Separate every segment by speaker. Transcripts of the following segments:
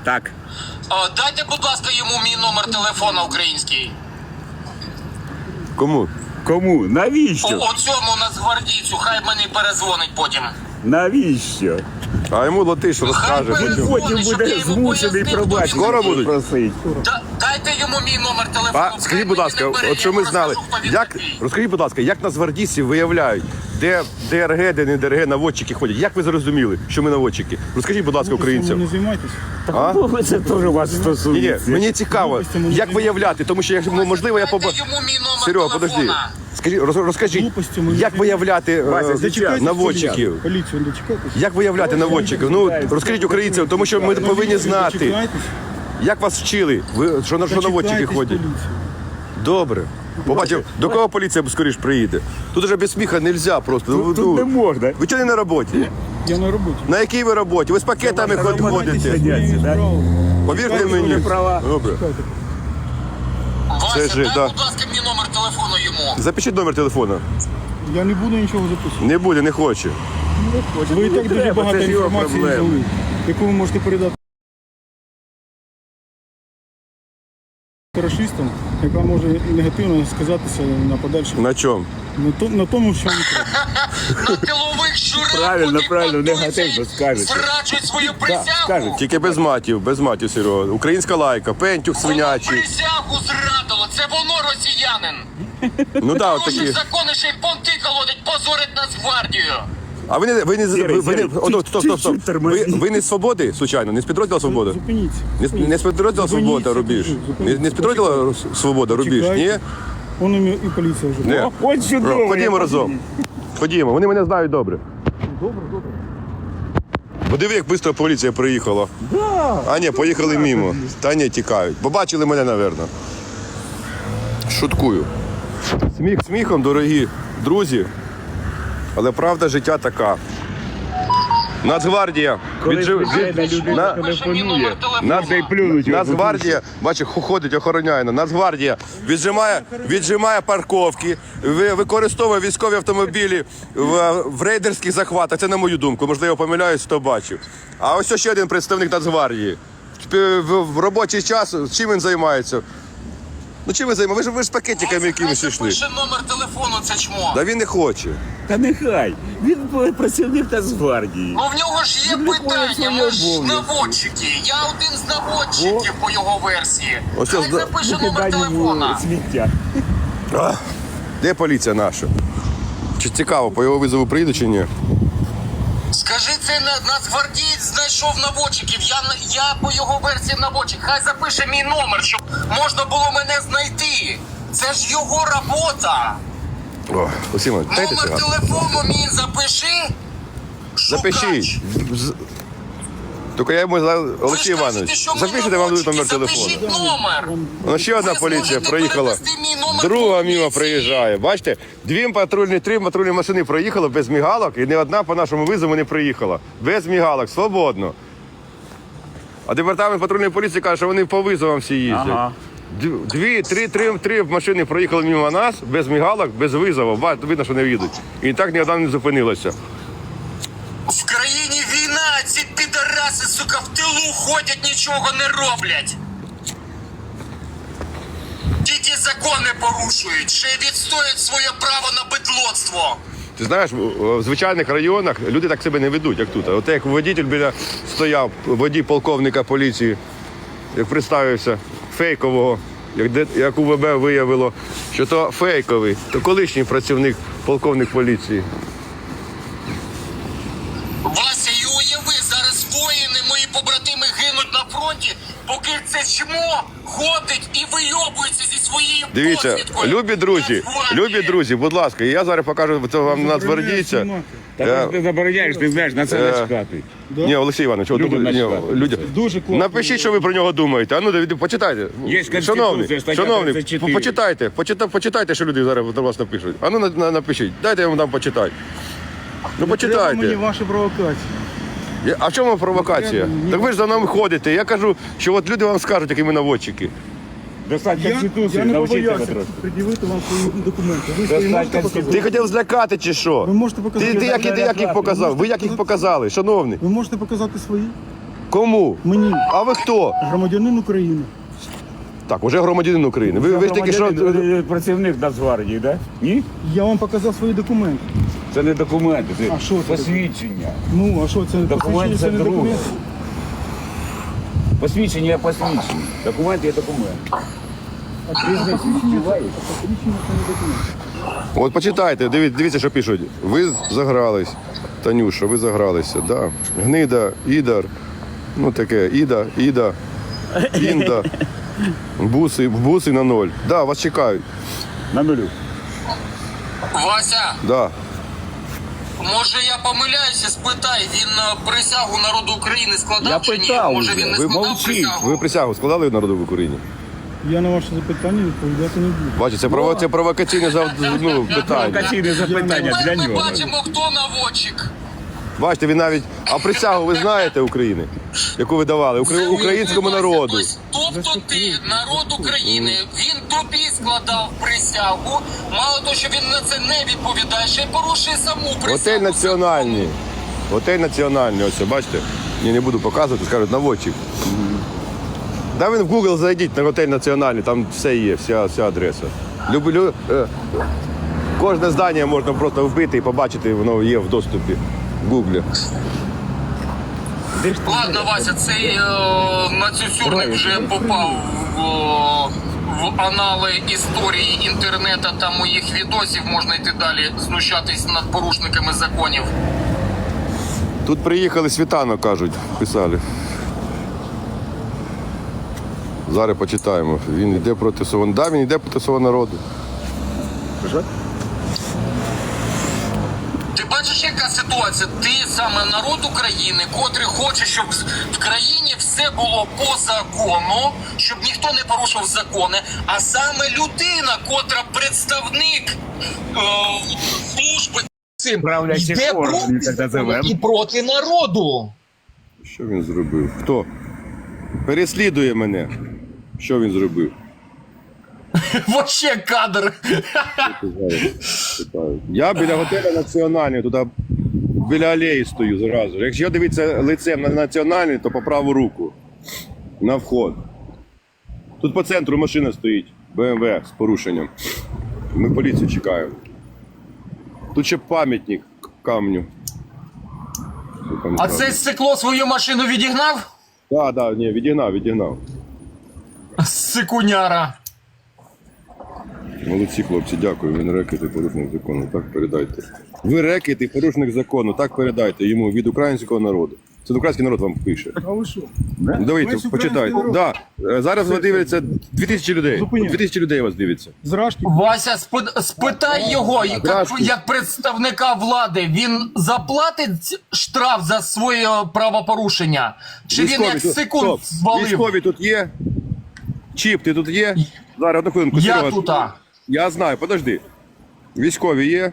Speaker 1: Так.
Speaker 2: Дайте, будь ласка, йому мій номер телефона український.
Speaker 3: Кому?
Speaker 1: Кому? Навіщо?
Speaker 2: Оцьому нацгвардійцю, хай мені перезвонить потім.
Speaker 1: Навіщо?
Speaker 3: А йому латиш розкаже.
Speaker 1: Потім буде змушений пробачити.
Speaker 3: Скоро будуть?
Speaker 1: Просить.
Speaker 2: Дайте йому мій номер телефону.
Speaker 3: А скажіть, будь ласка, от що ми знали, розкажіть, будь ласка, як нацгвардійці виявляють, де ДРГ, де не ДРГ, наводчики ходять? Як ви зрозуміли, що ми наводчики? Розкажіть, будь ласка, українцям.
Speaker 4: Не займайтесь.
Speaker 3: А?
Speaker 1: Це теж вас
Speaker 3: Ні,
Speaker 1: стосується.
Speaker 3: мені цікаво, як виявляти, тому що, можливо, я
Speaker 2: Дайте
Speaker 3: побачу.
Speaker 2: йому мій номер
Speaker 3: Серега, подожди.
Speaker 2: телефона.
Speaker 3: Скажіть, розкажіть,
Speaker 4: Глупостями
Speaker 3: як виявляти
Speaker 4: Дочекайтесь
Speaker 3: наводчиків?
Speaker 4: Поліцію, дочекайтесь.
Speaker 3: Як виявляти наводчиків? Ну, розкажіть українцям, тому що ми повинні знати.
Speaker 4: Дочекайтесь.
Speaker 3: Як вас вчили? Ви що наводчики
Speaker 4: Дочекайтесь
Speaker 3: ходять?
Speaker 4: поліцію.
Speaker 3: Добре. Побачив, до кого поліція скоріш приїде? Тут вже без сміха не можна просто.
Speaker 1: Тут не можна.
Speaker 3: Ви чого не на роботі?
Speaker 4: Я на роботі.
Speaker 3: На якій ви роботі? Ви з пакетами ходите.
Speaker 1: Сидяться, так?
Speaker 3: Повірте
Speaker 1: Ви
Speaker 3: мені.
Speaker 1: права.
Speaker 3: Добре.
Speaker 2: Вася,
Speaker 3: же,
Speaker 2: дай,
Speaker 3: да.
Speaker 2: будь ласка, мій номер телефону йому.
Speaker 3: Запишіть номер телефона.
Speaker 4: Я не буду нічого записувати.
Speaker 3: Не буде, не хоче.
Speaker 4: Ви і так дуже
Speaker 1: треба,
Speaker 4: багато
Speaker 1: це ж його
Speaker 4: інформації
Speaker 1: проблема.
Speaker 4: взяли, яку ви можете передати расистам, яка може негативно сказатися на подальшому.
Speaker 3: На чому?
Speaker 4: На тому, що не треба.
Speaker 2: На тилових щурах,
Speaker 1: Правильно,
Speaker 2: куди
Speaker 1: правильно,
Speaker 2: подуться
Speaker 1: негативно
Speaker 2: і
Speaker 1: скажете.
Speaker 2: зраджують свою присягу.
Speaker 1: скажете.
Speaker 3: Тільки без матів, Серега. Українська лайка, пентюх
Speaker 2: Воно
Speaker 3: свинячий.
Speaker 2: присягу зрадило, це воно росіянин.
Speaker 3: Ну так, от
Speaker 2: Порушив
Speaker 3: такі.
Speaker 2: закони, ще й понти колодить, позорить Нацгвардію.
Speaker 3: А ви не
Speaker 1: Сірий,
Speaker 3: стоп.
Speaker 1: чуть-чуть тормозни.
Speaker 3: Ви не з свободи, случайно? Не з підрозділу Свобода?
Speaker 4: Зупиніться.
Speaker 3: Не з підрозділу Свобода, Рубіж? Не з підрозділу Свобода, Рубіж? Ні?
Speaker 4: Чекайте. Вон і поліція вже.
Speaker 3: Ні.
Speaker 1: От чудово.
Speaker 3: Ходімо
Speaker 1: я
Speaker 3: разом. Ходімо, вони мене знають добре.
Speaker 4: Добре.
Speaker 3: Подиви, як швидко поліція приїхала. А ні, поїхали мимо. Та ні, тікають. Побачили мене, напевно. Шуткую. Сміх сміхом, дорогі друзі. Але правда життя така. Нацгвардія.
Speaker 1: Коли звичайна людина телефонує,
Speaker 2: Нацгвардія.
Speaker 1: й плюнуть.
Speaker 3: Нацгвардія, бачиш, ходить, охороняє. Нацгвардія віджимає парковки, використовує військові автомобілі в рейдерських захватах. Це на мою думку. Можливо, помиляюсь, хто бачив. А ось ще один представник Нацгвардії. В робочий час чим він займається? Ну чим ви займаєтеся? Ви ж з пакетиками якимось йшли.
Speaker 2: Пише номер телефону, це чмо.
Speaker 3: Да він не хоче.
Speaker 1: Та нехай. Він працівник Нацгвардії.
Speaker 2: Ну в нього ж є питання, ми ж наводчики. Я один з наводчиків по його версії.
Speaker 3: Ось
Speaker 2: Хай
Speaker 3: ось
Speaker 2: запише номер
Speaker 1: Викидай йому
Speaker 2: телефона.
Speaker 1: сміття.
Speaker 3: Де поліція наша? Чи цікаво, по його визову приїду чи ні?
Speaker 2: Скажи, це нацгвардієць знайшов наводчиків. Я по його версії наводчик. Хай запише мій номер, щоб можна було мене знайти. Це ж його робота.
Speaker 3: О, Осіма, дайте
Speaker 2: Номер
Speaker 3: цього.
Speaker 2: телефону мій запиши.
Speaker 3: Запишіть. Тільки я йому Олексій Іванович, запишіть, я вам даю номер телефону.
Speaker 2: Запишіть номер.
Speaker 3: Ну, ще одна
Speaker 2: Ви
Speaker 3: поліція
Speaker 2: зможете
Speaker 3: проїхала.
Speaker 2: перевести мій номер
Speaker 3: Друга
Speaker 2: поліції.
Speaker 3: мимо приїжджає. Бачите, три патрульні машини проїхали без мігалок, і ні одна по нашому визову не приїхала. Без мігалок, свободно. А департамент патрульної поліції каже, що вони по визовам всі їздять.
Speaker 1: Ага.
Speaker 3: Три машини проїхали мимо нас, без мігалок, без визову. Видно, що не їдуть. І так ні одна не зупинилася.
Speaker 2: В країні війна, ці підараси, сука, в тилу ходять, нічого не роблять. Тільки закони порушують, ще й відстоюють своє право на бидлоцтво.
Speaker 3: Ти знаєш, в звичайних районах люди так себе не ведуть, як тут. От як водитель біля стояв, водій полковника поліції, як представився, фейкового, як УВБ виявило, що то фейковий, то колишній працівник полковник поліції.
Speaker 2: Вася, і уяви, зараз воїни, мої побратими гинуть на фронті, поки це чмо ходить і вийобується зі своєю
Speaker 3: Дивіться,
Speaker 2: посвідкою.
Speaker 3: любі друзі, будь ласка, я зараз покажу це вам нацгвардійця.
Speaker 1: Та ти забороняєш, ти знаєш, на це начхати.
Speaker 3: Ні, Олексій Іванович,
Speaker 1: Людям начхати.
Speaker 4: Дуже класно.
Speaker 3: Напишіть, що ви про нього думаєте. А ну, почитайте.
Speaker 1: Є Конституція, стаття
Speaker 3: Шановний,
Speaker 1: 34.
Speaker 3: почитайте, що люди зараз до вас напишуть. А ну, напишіть. Дайте я вам дам почитати. Ну,
Speaker 4: Треба мені
Speaker 3: почитайте.
Speaker 4: ваші провокації.
Speaker 3: А в чому провокація? Так ви ж за нами ходите. Я кажу, що от люди вам скажуть, які ми наводчики.
Speaker 1: Достать
Speaker 4: Я
Speaker 1: Конституцію,
Speaker 4: не
Speaker 1: навчіться
Speaker 4: побоявся
Speaker 1: трошки.
Speaker 4: пред'явити вам свої документи. Ви свої
Speaker 1: Достать
Speaker 4: можете
Speaker 1: Конституцію.
Speaker 4: показати?
Speaker 3: Ти хотів злякати чи що?
Speaker 4: Ви можете показати.
Speaker 3: Ти як їх показав? Ви як їх показали? Шановний.
Speaker 4: Ви можете показати свої?
Speaker 3: Кому?
Speaker 4: Мені,
Speaker 3: А ви хто?
Speaker 4: громадянин України.
Speaker 3: Так, уже громадянин України. Ви ж тільки що...
Speaker 1: Працівник Нацгвардії, да? Ні?
Speaker 4: Я вам показав свої документи.
Speaker 1: Це не документи, це
Speaker 4: А що це?
Speaker 1: посвідчення.
Speaker 4: Ну, а що це?
Speaker 1: Документ
Speaker 4: Посвідчення,
Speaker 1: це
Speaker 4: не
Speaker 1: друге.
Speaker 4: документ?
Speaker 1: Посвідчення є посвідчення. Документ є документ.
Speaker 4: Посвідчення це не документ.
Speaker 3: От почитайте, дивіться, що пишуть. Ви загрались, Танюша, ви загралися, да. Гнида, Ідар, ну таке, Іда, Інда, буси на 0. Да, вас чекають.
Speaker 1: На нулю.
Speaker 2: Вася,
Speaker 3: Да.
Speaker 2: може я помиляюся, спитай, він присягу народу України складав
Speaker 1: Я
Speaker 2: чи ні?
Speaker 1: питав
Speaker 2: Може
Speaker 1: вже.
Speaker 2: він не
Speaker 3: Ви
Speaker 2: складав
Speaker 1: мовчіть.
Speaker 2: присягу?
Speaker 3: Ви присягу складали народу в Україні?
Speaker 4: Я на ваше запитання відповідати не буду.
Speaker 3: Бачите, це провокаційне питання.
Speaker 1: Провокаційне запитання для
Speaker 2: Ми
Speaker 1: нього.
Speaker 2: бачимо, хто наводчик.
Speaker 3: Бачите, він навіть... А присягу ви знаєте України? Яку ви давали? Українському народу.
Speaker 2: Тобто ти, народ України, він тобі складав присягу. Мало того, що він на це не відповідає, ще й порушує саму присягу.
Speaker 3: Готель національний. Готель національний, ось, бачите? Я не буду показувати, скажуть, наводчик. Да ви в Google зайдіть на готель національний, там все є, вся адреса. Кожне здання можна просто вбити і побачити, воно є в доступі в Google.
Speaker 2: Ладно, Вася, цей нацюцюрник вже попав в анали історії інтернету та моїх відосів. Можна йти далі знущатись над порушниками законів.
Speaker 3: Тут приїхали світанок, кажуть, писали. Зараз почитаємо. Він йде проти свого. Да, він йде проти свого народу.
Speaker 2: Ти бачиш, яка ситуація? Ти саме народ України, котрий хоче, щоб в країні все було по закону, щоб ніхто не порушив закони, а саме людина, котра представник служби цим
Speaker 1: Правлячих
Speaker 2: йде
Speaker 1: органів, так
Speaker 2: проти
Speaker 1: називаємо.
Speaker 2: і проти народу.
Speaker 3: Що він зробив? Хто? Переслідує мене. Що він зробив?
Speaker 2: Вообще кадр.
Speaker 3: Я біля готелю національний, туди біля алеї стою зразу. Якщо дивитися лицем на національний, то по праву руку. На вход. Тут по центру машина стоїть. БМВ з порушенням. Ми поліцію чекаємо. Тут ще пам'ятник камню.
Speaker 2: А це стекло свою машину відігнав?
Speaker 3: Так, ні, відігнав.
Speaker 2: Сикуняра.
Speaker 3: Молодці, хлопці, дякую. Він рекет і порушник закону. Так передайте. Ви рекет і порушник закону. Так передайте йому від українського народу. Це український народ вам пише.
Speaker 4: А ви що?
Speaker 3: Давайте,
Speaker 4: Весь
Speaker 3: почитайте.
Speaker 4: український
Speaker 3: Да. Зараз вас дивиться 2000 людей.
Speaker 4: Зупиняй.
Speaker 3: 2000 людей вас дивиться.
Speaker 4: Зражки.
Speaker 2: Вася, спитай його,
Speaker 3: Здравствуй.
Speaker 2: як представника влади, він заплатить штраф за своє правопорушення? Чи він як секунд
Speaker 3: Стоп.
Speaker 2: звалив?
Speaker 3: Військові тут є? Чіп, ти тут є? Зараз, одну хвилинку.
Speaker 2: Я
Speaker 3: Серега.
Speaker 2: тута.
Speaker 3: Я знаю, подожди. Військові є?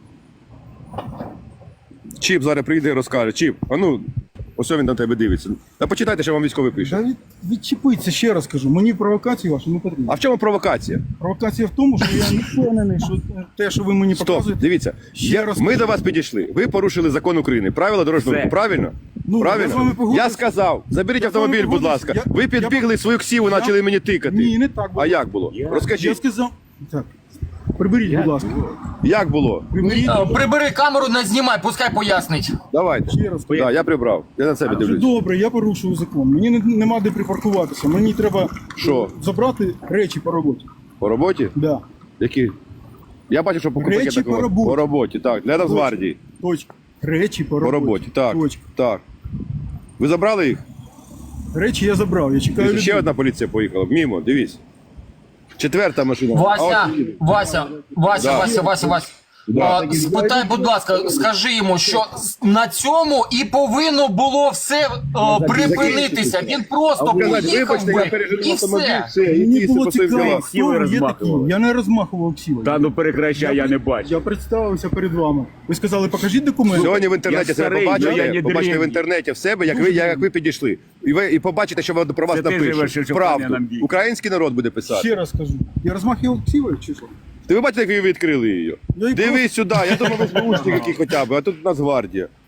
Speaker 3: Чіп зараз прийде і розкаже. Чіп, а ну, ось він на тебе дивиться. Та почитайте, що вам військовий пише.
Speaker 4: Та відчепиться, ще раз кажу. Мені провокації ваші не потрібні.
Speaker 3: А в чому провокація?
Speaker 4: Провокація в тому, що я не впевнений, що те, що ви мені
Speaker 3: Стоп,
Speaker 4: показуєте.
Speaker 3: дивіться.
Speaker 4: Ще раз
Speaker 3: Ми
Speaker 4: кажу.
Speaker 3: до вас підійшли. Ви порушили закон України. Правила дорожнього
Speaker 1: Все.
Speaker 3: руху. Правильно?
Speaker 4: Ну, я з
Speaker 3: Правильно?
Speaker 4: вами погоджуюсь.
Speaker 3: Я сказав, заберіть
Speaker 4: Я з вами
Speaker 3: автомобіль, будь
Speaker 4: погоджуюсь.
Speaker 3: ласка.
Speaker 4: Я-
Speaker 3: Ви підбігли свою ксіву,
Speaker 4: я-
Speaker 3: почали мені тикати.
Speaker 4: Ні, не так було.
Speaker 3: А як було?
Speaker 4: Я
Speaker 3: Розкажіть,
Speaker 4: сказав. Так. Приберіть, будь ласка.
Speaker 3: як було?
Speaker 4: Приберіть.
Speaker 2: Прибери камеру, не знімай, пускай пояснить.
Speaker 3: Давайте.
Speaker 4: Ще раз.
Speaker 3: Да, я прибрав. Я на себе
Speaker 4: Вже
Speaker 3: дивлюсь.
Speaker 4: добре, я порушую закон. Мені нема де припаркуватися. Мені треба
Speaker 3: Що?
Speaker 4: забрати речі по роботі.
Speaker 3: По роботі?
Speaker 4: Да.
Speaker 3: Які? Я бачу, що по
Speaker 4: Речі
Speaker 3: пакетах
Speaker 4: по роботі.
Speaker 3: По роботі, так. Для Нацгвардії.
Speaker 4: Точка. Речі по
Speaker 3: По
Speaker 4: роботі.
Speaker 3: роботі, так.
Speaker 4: Точка.
Speaker 3: Так. Ви забрали їх?
Speaker 4: Речі я забрав, я чекаю
Speaker 3: Дивіться, ще
Speaker 4: людей.
Speaker 3: одна поліція поїхала. Мімо, дивись. Четверта машина.
Speaker 2: Вася,
Speaker 3: А от їде.
Speaker 2: Вася,
Speaker 3: Да. Да.
Speaker 2: спитай, будь ласка, скажи йому, що на цьому і повинно було все припинитися. Він просто
Speaker 3: Сказати,
Speaker 2: поїхав
Speaker 3: вибачте, я
Speaker 2: би
Speaker 3: пережив
Speaker 2: і
Speaker 3: автомобіль,
Speaker 2: все.
Speaker 3: все, і
Speaker 4: Мені
Speaker 3: ті
Speaker 4: було
Speaker 3: по своїм
Speaker 4: цікаво,
Speaker 3: ділам.
Speaker 4: хто ви є такі.
Speaker 1: розмахували.
Speaker 4: Я не розмахував ксівою.
Speaker 1: Та ну прекращай, я не бачу.
Speaker 4: Я представився перед вами. Ви сказали, покажіть документи.
Speaker 3: Сьогодні в інтернеті
Speaker 1: Я
Speaker 3: себе
Speaker 1: старий,
Speaker 3: побачите,
Speaker 1: я не
Speaker 3: побачите в
Speaker 1: древній.
Speaker 3: інтернеті в себе, як ви підійшли. І побачите, що про вас
Speaker 1: Це ти живеш,
Speaker 3: напишуть.
Speaker 1: що
Speaker 3: Правду.
Speaker 1: паня нам бій.
Speaker 3: Український народ буде писати.
Speaker 4: Ще раз кажу. Я розмахував ксівою чи що?
Speaker 3: Ти ви бачите, як ви відкрили її?
Speaker 4: Я і
Speaker 3: Дивись сюди, я думав, ви СБУшник який хоча б, а тут Нацгвардія.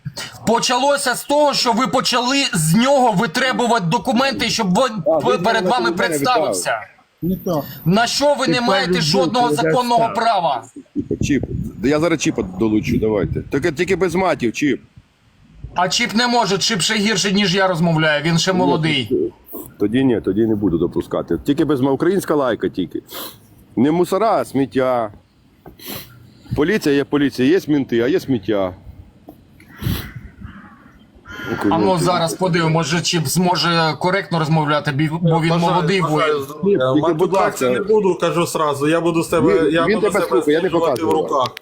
Speaker 2: Почалося з того, що ви почали з нього витребувати документи, щоб він перед вами представився.
Speaker 4: Не так.
Speaker 2: На що ви не маєте жодного законного права?
Speaker 3: Чіп. Я зараз чіпа долучу, давайте. Тільки без матів, чіп.
Speaker 2: А Чіп не може, Чіп ще гірше, ніж я розмовляю, він ще молодий.
Speaker 3: Тоді ні, тоді не буду допускати. Тільки без українська лайка тільки. Не мусора, а сміття. Поліція, є мінти, а є сміття.
Speaker 2: А ну зараз подивимось, може Чіп зможе коректно розмовляти, бо він молодий воїн.
Speaker 3: Тільки, будь ласка.
Speaker 5: Не буду, кажу сразу. Я буду себе,
Speaker 3: Він тебе слухає, я не
Speaker 5: стримувати в
Speaker 3: показую.
Speaker 5: руках.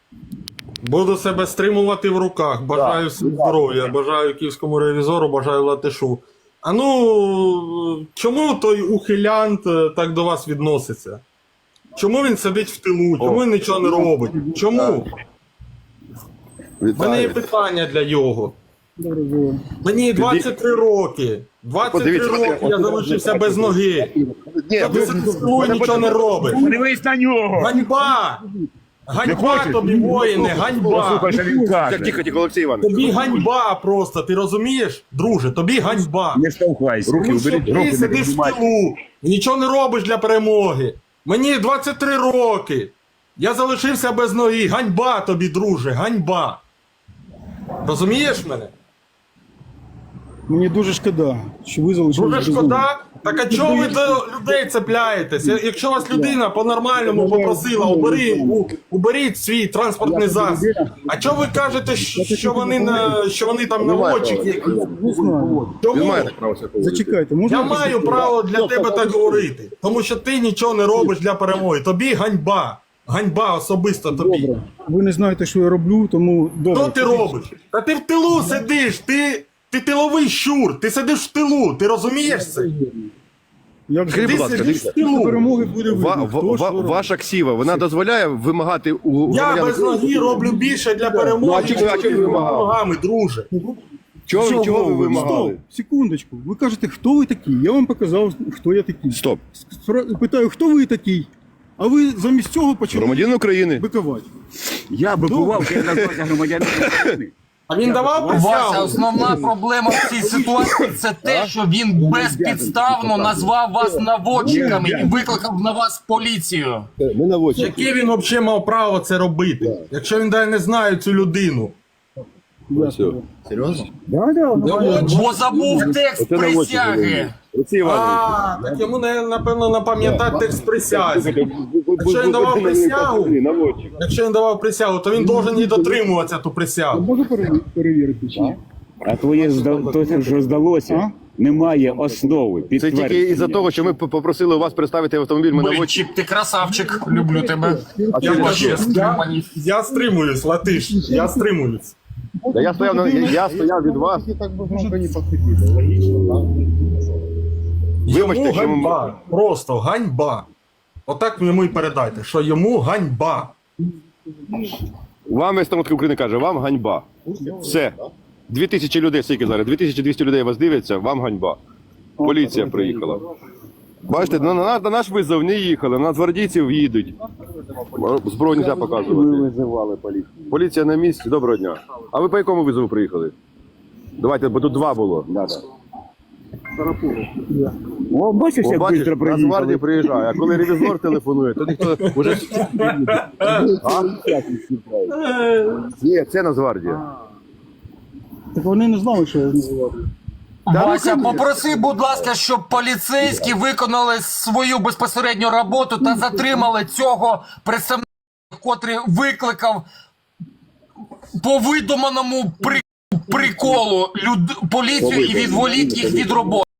Speaker 5: Буду себе стримувати в руках. Бажаю всім здоров'я, бажаю київському ревізору, бажаю латишу. А ну, чому той ухилянт так до вас відноситься? Чому він сидить в тилу? Чому він нічого не робить? Чому? У мене є питання для його. Мені 23 роки. 23
Speaker 3: Подивіться,
Speaker 5: роки я залишився без ноги.
Speaker 3: Ні,
Speaker 5: Ти сидиш в тилу і нічого не робиш.
Speaker 1: Дивись на нього!
Speaker 5: Ганьба! Ганьба тобі, воїне, ганьба!
Speaker 1: Послухай, що він каже.
Speaker 3: Тихо, Олексій Іванович.
Speaker 5: Тобі ганьба просто, ти розумієш? Друже, тобі ганьба.
Speaker 1: Не штовхайся. Руки
Speaker 5: Тому що
Speaker 1: уберіть,
Speaker 5: ти
Speaker 1: руки не
Speaker 5: сидиш в
Speaker 1: піднімай.
Speaker 5: тилу і нічого не робиш для перемоги. Мені 23 роки. Я залишився без ноги. Ганьба тобі, друже, ганьба. Розумієш мене?
Speaker 4: Мені дуже шкода, що ви залишили.
Speaker 5: Дуже шкода. Так а чого ви до людей цепляєтесь? Якщо вас людина по-нормальному попросила, уберіть свій транспортний засіб. А чого ви кажете, що вони там наводчики якісь?
Speaker 4: Не знаю.
Speaker 3: Він
Speaker 5: Чому?
Speaker 3: має так право себе поводити.
Speaker 4: Зачекайте, можна?
Speaker 5: Я маю право для тебе так говорити, тому що ти нічого не робиш для перемоги. Тобі ганьба. Ганьба особисто тобі.
Speaker 4: Добре. Ви не знаєте, що я роблю, тому добре.
Speaker 5: Що ти робиш? Та ти в тилу сидиш, ти тиловий щур, ти сидиш в тилу, ти розумієш це?
Speaker 4: Як
Speaker 3: Скажіть,
Speaker 5: Ти
Speaker 3: будь ласка,
Speaker 5: сидиш в
Speaker 3: дивіться.
Speaker 5: тилу.
Speaker 4: перемоги буде видно. Хто що робить.
Speaker 3: Ваша ксіва, вона дозволяє вимагати у
Speaker 5: Я
Speaker 3: громадян
Speaker 5: без ноги роблю більше для
Speaker 3: Ну,
Speaker 5: перемоги,
Speaker 3: а чого ви
Speaker 5: ніж
Speaker 3: вимагали?
Speaker 5: ногами, друже.
Speaker 3: Чого ви вимагали?
Speaker 4: Стоп, секундочку. Ви кажете, хто ви такий? Я вам показав, хто я такий.
Speaker 3: Стоп.
Speaker 4: Питаю, хто ви такий? А ви замість цього почали
Speaker 3: Громадянин України.
Speaker 4: бикувати.
Speaker 1: Я бикував, я назвався громадянином України.
Speaker 5: А він давав
Speaker 2: Вася,
Speaker 5: присягу?
Speaker 2: основна проблема в цій ситуації це те, що він безпідставно назвав вас наводчиками і викликав на вас поліцію.
Speaker 3: Ми наводчики.
Speaker 5: Яке він взагалі мав право це робити? Якщо він навіть не знає цю людину.
Speaker 2: Бо забув текст присяги.
Speaker 3: Олексій Іванович.
Speaker 5: Так йому, напевно, напам'ятати текст присязі. Якщо він давав присягу,
Speaker 3: Наводчик.
Speaker 5: якщо він давав присягу, то він должен її дотримуватися, ту присягу.
Speaker 4: Можу перевірити чи ні?
Speaker 1: А твоє то, що здалося, немає основи.
Speaker 3: Це тільки
Speaker 1: Підтвердження.
Speaker 3: із-за того, що ми попросили у вас представити автомобіль. Ми
Speaker 2: Блін,
Speaker 3: наводчик.
Speaker 2: Чіп, ти красавчик, люблю тебе.
Speaker 5: Я
Speaker 2: Ти
Speaker 5: кажу,
Speaker 2: вообще стриманий.
Speaker 5: я стримуюсь, Латиш, я стримуюсь.
Speaker 3: Та я стояв від вас. Вибачте,
Speaker 5: Йому
Speaker 3: що ми...
Speaker 5: ганьба, просто ганьба. Отак йому і передайте, що йому ганьба.
Speaker 3: Вам весь народ України каже, вам ганьба. Все. 2000 людей, скільки зараз? 2200 людей вас дивляться, вам ганьба. Поліція приїхала. Бачите, на наш визов не їхали, на гвардійців їдуть. Зброю не можна показувати.
Speaker 1: Ми визивали поліцію.
Speaker 3: Поліція на місці, доброго дня. А ви по якому визову приїхали? Давайте, бо тут два було.
Speaker 1: О, бачиш, як
Speaker 3: Бачиш,
Speaker 1: швидко
Speaker 3: Нацгвардія
Speaker 1: приїхали.
Speaker 3: приїжджає, а коли ревізор телефонує, то ніхто вже... А? Ні, це Нацгвардія.
Speaker 4: Так вони не знали, що я називав.
Speaker 2: Вася, попроси, будь ласка, щоб поліцейські виконали свою безпосередню роботу та затримали цього представника, котрий викликав по видуманому приколу поліцію і відволік їх від роботи.